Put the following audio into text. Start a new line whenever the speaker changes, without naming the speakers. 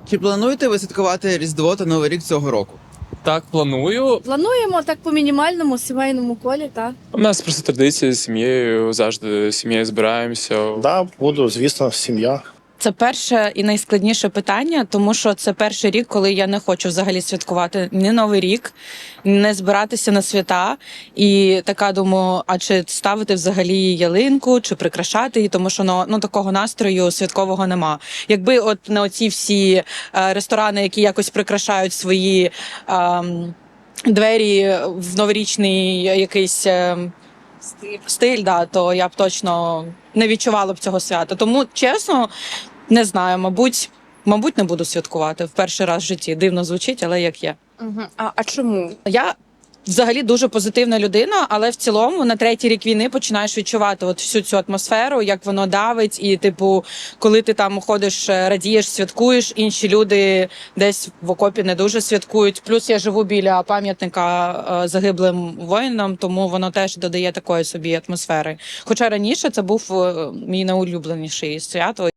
Чи плануєте ви святкувати Різдво та Новий рік цього року?
Так, планую.
Плануємо так по мінімальному сімейному колі, так.
У нас просто традиція з сім'єю, завжди з сім'єю збираємося.
Да, буду, звісно, сім'я.
Це перше і найскладніше питання, тому що це перший рік, коли я не хочу взагалі святкувати ні Новий рік, не збиратися на свята. І така думаю, а чи ставити взагалі ялинку, чи прикрашати її, тому що такого настрою святкового нема. Якби от на оці всі ресторани, які якось прикрашають свої двері в новорічний якийсь стиль, да, то я б точно не відчувала б цього свята. Тому, чесно, не знаю, мабуть, не буду святкувати в перший раз в житті. Дивно звучить, але як є.
Угу. А чому?
Я взагалі дуже позитивна людина, але в цілому на третій рік війни починаєш відчувати от всю цю атмосферу, як воно давить, і типу, коли ти там ходиш, радієш, святкуєш, інші люди десь в окопі не дуже святкують. Плюс я живу біля пам'ятника загиблим воїнам, тому воно теж додає такої собі атмосфери. Хоча раніше це був мій найулюбленіший свято.